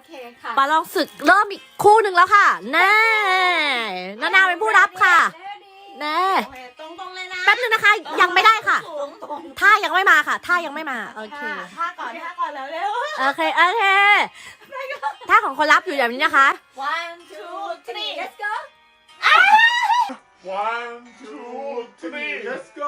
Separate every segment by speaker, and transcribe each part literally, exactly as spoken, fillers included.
Speaker 1: เคค่ะ
Speaker 2: ประลองศึกเริ่มอีกคู่หนึ่งแล้วค่ะแน่นานาเป็นผู้รับค่ะแน่
Speaker 1: โอเคตรงๆเลยนะ
Speaker 2: แป๊บนึงนะคะ ยังไม่ได้ค่ะ
Speaker 1: ตรงๆ
Speaker 2: ท่ายังไม่มาค่ะท่ายังไม่มาโอเค
Speaker 1: ท่าก่อนท่าก่อนแล้วเร็ว
Speaker 2: โอเคโอเคท่าของคนรับอยู่แบบนี้นะคะ
Speaker 1: one two three let's go
Speaker 3: One, two, three, let's go.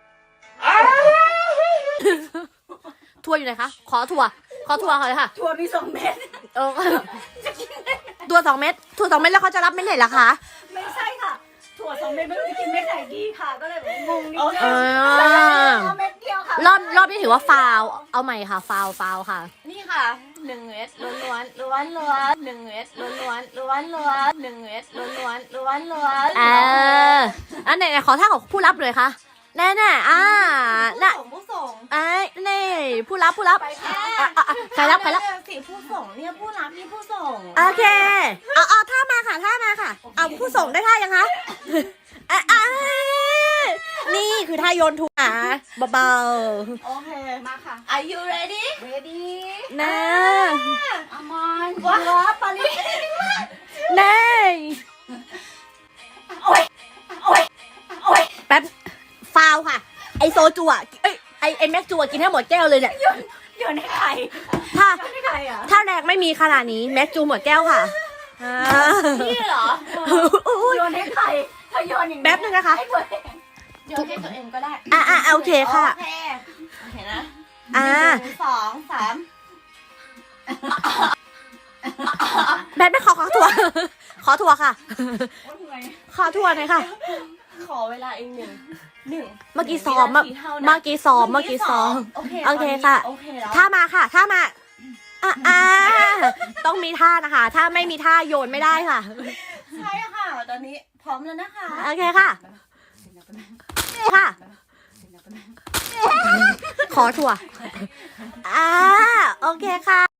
Speaker 2: ทัวร์อยู่ไหนคะขอทัวร์ขอทัวร์เขาเลยค่ะ
Speaker 1: ถั่วมีสองเม็ด
Speaker 2: เออตัวสองเม็ดถั่วสองเม็ดแล้วเขาจะรับเม็ดไหนล่ะคะ
Speaker 1: ไม่ใช่ค่ะถั่วสองเม็ดไม่รู้จะกินเม็ดไหนดีค่ะก็เลยแบบงงนิดนึง
Speaker 2: เออ
Speaker 1: เอาเม็ดเดียวค่ะ
Speaker 2: รอบรอบนี้ถือว่าฟาวเอาใหม่ค่ะฟาวฟาวค่ะ
Speaker 1: นี่ค่ะหนึ่งเม็ดล้วนล้วนล้วนล้วนหนึ่งเม็ดล้วนล้วนล้วนล้วนหนึ่งเม็ดล้วนล้วนล้วนล้วน
Speaker 2: เอออันไหนๆขอท่าของผู้รับเลยค่ะแน่แน่ๆอ่าน่ะ
Speaker 1: ส่งผู้ส่ง
Speaker 2: ไอ้นี่ผู้รับผู้รับ
Speaker 1: ไปค่ะ
Speaker 2: อ่ะอ่ะอ่ะใครรับใครรับ
Speaker 1: สีผู้ส่งเนี่ยผู้รับนี่ผู้ส่ง
Speaker 2: โอเคเอาเอาท่ามาค่ะท่ามาค่ะ เอาผู้ส่งได้ท่ายังคะอ่ะอ่ะนี่คือท่าโยนถั่วเบา
Speaker 1: โอเคมาค่ะ Are you ready ready
Speaker 2: ๆนะ
Speaker 1: อามอนว้าปาลิ
Speaker 2: แน่
Speaker 1: โอ้ยโอ้ยโอ้ย
Speaker 2: แป๊บฟาวค่ะ ไอโซจูอ่ะเอ้ยไอไอแม็กจูอ่ะกินให้หมดแก้วเลยเนี่ย
Speaker 1: โยนโยนให้ใคร
Speaker 2: ถ้า
Speaker 1: โยนให้ใครอ่ะ
Speaker 2: ถ้าแรงไม่มีขนาดนี้แม็กจูหมดแก้วค่ะอ่า
Speaker 1: พี่เหรอ
Speaker 2: อุ๊ย
Speaker 1: โยนให้ใครถ้าโยนอย่างนี้
Speaker 2: แป๊บนึงนะคะ
Speaker 1: ให้ตัวเองโยนให้ตัวเองก็ได้
Speaker 2: อ่ะอ่ะโอเคค่ะ
Speaker 1: โอเคโอเคนะ
Speaker 2: อ่า
Speaker 1: หนึ่งสองสาม
Speaker 2: แบทไม่ขอขอทัวร์ขอทัวร์ค่ะ
Speaker 1: โอ้ยเหนื่อย
Speaker 2: ขอทัวร์หน่อยค่ะ
Speaker 1: ขอเวลาอีกหนึ่งหนึ่ง
Speaker 2: เมื่อกี้ซ้อมเมื่อ
Speaker 1: วินาทีเท่านั้น
Speaker 2: เมื่อกี้ซ้อมเมื่อกี้ซ้อม
Speaker 1: โอเค
Speaker 2: โอเคค่ะ
Speaker 1: โอเคแล้ว
Speaker 2: ท่ามาค่ะท่ามาอ่ะอ่าต้องมีท่านะคะ ถ้าไม่มีท่าโยนไม่ได้ค่ะ
Speaker 1: ใช่ค่ะ ตอนนี้พร้อมแล้วนะคะ
Speaker 2: โอเคค่ะ ค่ะ ขอถั่วอ่าโอเคค่ะ